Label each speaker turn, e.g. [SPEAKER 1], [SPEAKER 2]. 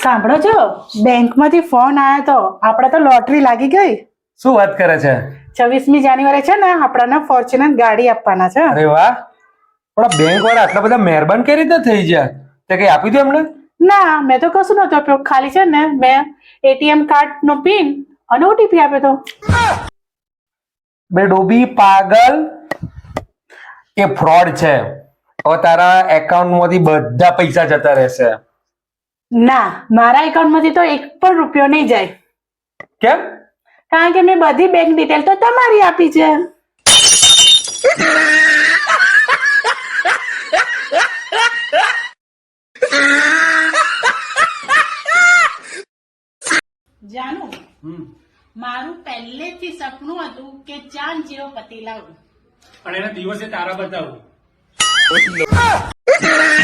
[SPEAKER 1] સાંભળો છો, બેંકમાંથી ફોન આવ્યો તો આપણે તો લોટરી લાગી ગઈ.
[SPEAKER 2] શું વાત કરે છે?
[SPEAKER 1] 26મી જાન્યુઆરી છે ને, આપણાને ફોર્ચ્યુનર ગાડી આપવાના છે.
[SPEAKER 2] અરે વાહ! પણ બેંક વાળા આટલા બધા મહેરબાન કઈ રીતે થઈ ગયા? તે કઈ આપી દો એમને?
[SPEAKER 1] ના, મેં તો કશું નતો આપ્યો. ખાલી છે ને મેં એટીએમ કાર્ડ નો પિન અને ઓટીપી આપ્યો તો.
[SPEAKER 2] બે ડોબી પાગલ, એ ફ્રોડ છે. હવે તારા એકાઉન્ટ માંથી બધા પૈસા જતા રહેશે.
[SPEAKER 1] ના, મારા એકાઉન્ટમાંથી તો એક પણ રૂપિયો નહીં જાય.
[SPEAKER 2] કેમ?
[SPEAKER 1] કારણ કે મેં બધી બેંક ડિટેલ તો તમારી આપી છે. જાનું, મારું પહેલેથી સપનું હતું કે ચાંદ જેવો પતિ લાવું,
[SPEAKER 3] અને એના દિવસે તારા બતાવું.